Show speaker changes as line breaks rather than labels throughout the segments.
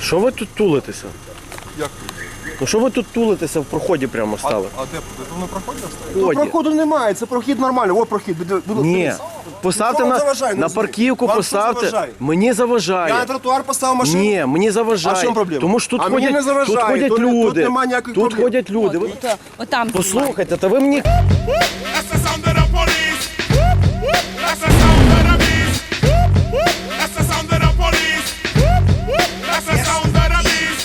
Що ви тут тулитеся?
Як?
Ну що ви тут тулитеся, в проході прямо стали?
А де? Тут на проході стали?
Ході.
Проходу немає, це прохід нормально. О, прохід.
Ні. Поставте
Що вам заважає?
на парківку,
Вам що
поставте.
заважає?
Мені заважає.
Я на тротуар поставив машину.
Ні, мені заважає.
А в чому проблема?
Тому що тут
А мені
ходять,
не заважає.
тут ходять
Тут
люди.
нема ніяких
Тут
проблем.
ходять люди. Ви-
Отам.
Послухайте, та ви мені...
That's the sound of the police. That's the sound of the beast. That's the sound of the police. That's the sound of the beast.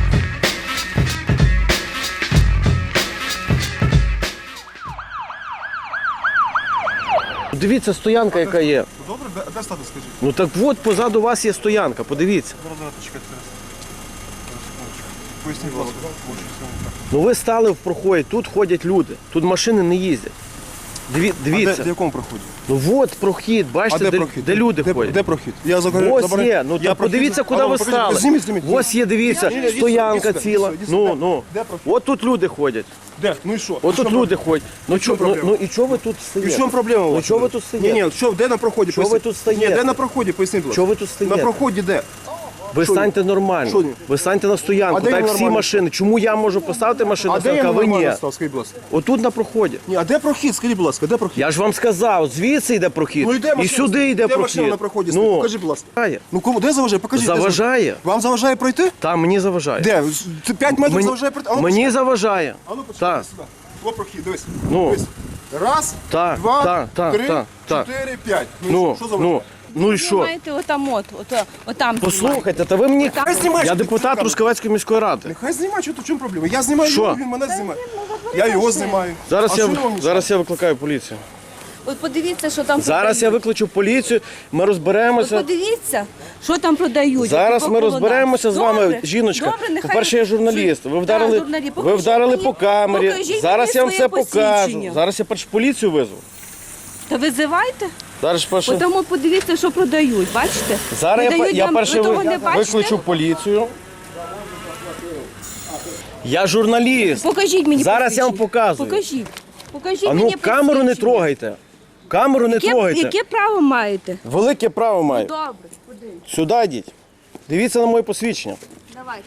Дивіться, стоянка яка є.
Добре, де стати, скажіть?
Ну так от позаду вас є стоянка, подивіться.
Зараз, чекайте. Поясніть, будь ласка.
Ну ви стали в проході, тут ходять люди, тут машини не їздять. Дивіться.
В якому проході?
Ну от прохід, бачите,
А де
де,
прохід?
де люди ходять.
Де прохід? Я
Ось є, ну так подивіться, куди ви стали.
Зніміть.
Ось є, дивіться, стоянка ціла. Ну.
Де прохід?
От тут люди ходять.
Де? Ну і що?
От тут люди ходять. Ну
проблема?
і чого ви тут
І в
стоїте?
чому проблема у
Ну
вас?
чого ви тут стоїте?
Ні, що, де на проході?
Чого ви
Поясніть.
тут стоїте?
Ні, де на проході? Поясніть, будь ласка.
Чого ви тут стоїте?
На проході де?
Ви
Що
станьте нормально.
Що ні?
Ви станьте на стоянку,
А де
так
я
як всі
нормально?
машини. Чому я можу поставити машину,
А де я
а ви ні?
нормально став? Скажіть, будь ласка.
Отут на проході.
Ні, а де прохід? Скажіть, будь ласка, де прохід?
Я ж вам сказав, звідси йде прохід.
Ну і де
і
машина?
сюди йде
Де
прохід.
машина на проході стоїть? Покажіть, будь ласка.
Заважає.
Ну кому, де заважає? Покажіть. де
Заважає.
Вам заважає пройти?
Там мені заважає.
Де? Це 5 метрів заважає пройти? А ну,
Мені заважає.
А ну почекай
Так.
сюди. О, прохід, дивись.
Ну.
Дивись. Раз,
Так,
два,
так,
три,
так, так.
4, 5.
Ну,
що заважає?
ну і
Ви
що?
маєте отам.
Послухайте, та ви мені...
Хай знімає,
Я
що ти
депутат
камеру.
Трускавецької міської ради.
Нехай знімає, що тут, в чому проблема? Я знімаю
Що?
його, він мене знімає. Я його знімаю.
Зараз,
А що вам
зараз я викликаю поліцію.
От подивіться, що там
Зараз я
продають.
викличу поліцію, ми
От
розберемося.
подивіться, що там продають.
Зараз
по
ми
холодах.
розберемося з вами,
Добре,
жіночка.
добре, нехай-
По-перше, я журналіст. Ви вдарили,
журналіст.
ви
Покажіть
вдарили
мені-
по камері.
покажіть
Зараз
мені
я вам
своє
все покажу.
посвідчення.
Зараз я першу поліцію визву.
Та визивайте.
Зараз перше...
Тому подивіться, що продають. Бачите?
Зараз
Продають
я
вам-
перше
ви того не бачите?
викличу поліцію. Я журналіст.
Покажіть мені
Зараз я вам
посвідчення.
показую.
Покажіть
А ну
мені
камеру не
посвідчення.
трогайте. Камеру не трогайте.
Яке право маєте?
Велике право маю.
Добре, подивіться.
Сюди йдіть. Дивіться на моє посвідчення.
Давайте.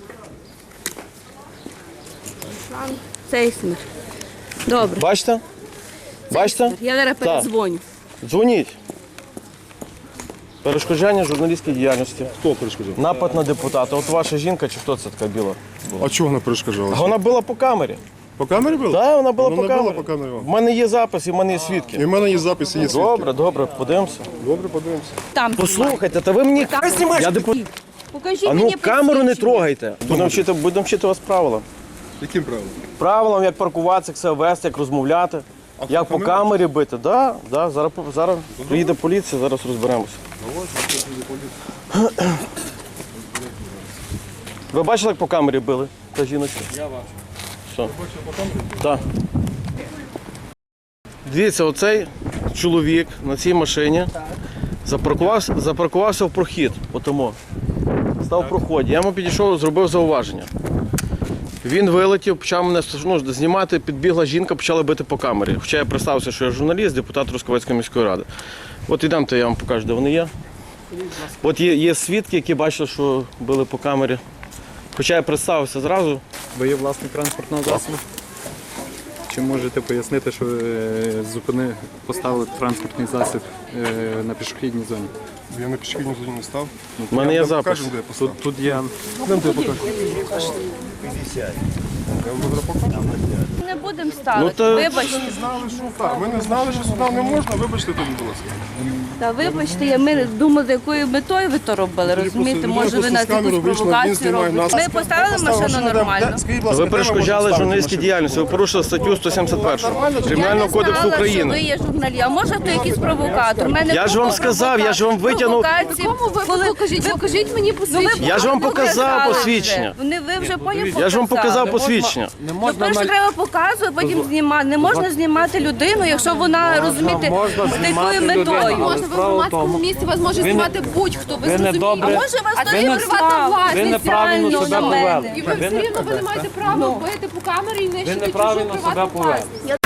Руслан Цейсмер. Добре.
Бачите? Бачите?
Я зараз
Так.
передзвоню.
Дзвоніть. Перешкоджання журналістській діяльності.
Хто перешкоджав?
Напад на депутата. От ваша жінка чи хто це така біла?
А чого вона перешкоджала?
Вона була по камері.
По камері було?
Так, вона була
Вона
по
не була
камері.
по камері.
В мене є запис і в мене є
І
свідки.
в мене є запис, і є свідки.
Добре, подивимося.
Добре, подивимося.
Там.
Послухайте, та ви мені... Я депутат.
Покажіть
А ну
мені
камеру не
посвідчення.
трогайте. Будемо вчити вас правилам.
Яким правилом?
Правилам, як паркуватися, як себе вести, як розмовляти, як по камері бити. Да. Зараз приїде поліція, зараз розберемося. Ви бачили, як по камері били? Та жіночка? Я бачу. Що? Так. Дивіться, оцей чоловік на цій машині запаркувався в прохід. Отому. Став в проході. Я йому підійшов, зробив зауваження. Він вилетів, почав мене знімати, підбігла жінка, почала бити по камері. Хоча я представився, що я журналіст, депутат Трускавецької міської ради. От ідемте, я вам покажу, де вони є. От є свідки, які бачили, що били по камері. Хоча я представився зразу.
Ви є власник транспортного засобу? Чи можете пояснити, що поставили транспортний засіб на пішохідній зоні?
Я на пішохідній зоні не став.
У мене є запис.
Покажемо, де я поставив.
Тут є
Не будемо
Ну,
ставити.
то-
Вибачте.
Знали, що так. Ми не знали, що сюди не можна. Вибачте тоді, будь ласка.
Та вибачте, ми думали, з якою метою ви то робили, розумієте?
Людина
Може ви
просто
нас
з камерою
якусь
вийшла, він
провокацію
знімає
робите?
нас.
Ми поставили машину нормально.
Скажіть, будь ласка,
Ви
де
перешкоджали
можемо ставити
журналістській
машину?
діяльності, ви порушили статтю 171 Кримінального
Я
кодексу
не знала, що ви
України.
є журналіст. А може то якийсь провокатор? У мене
Я ж вам
купа
сказав, я ж вам витягнув.
провокацій. Покажіть мені посвідчення.
Я ж вам показав посвідчення.
Ви вже потім
Я ж вам показав посвідчення.
Ну, перше треба показувати, потім знімати. Не можна знімати людину, якщо вона, розумієте, з такою метою.
Можна в громадському місці вас може знімати будь-хто, ви зрозумієте.
А може вас
А
теж
ви не
приватна власність
неправильно
реально
себе
на мене?
І ви все рівно ви не маєте права бити по камері і нищити чужу приватну власність.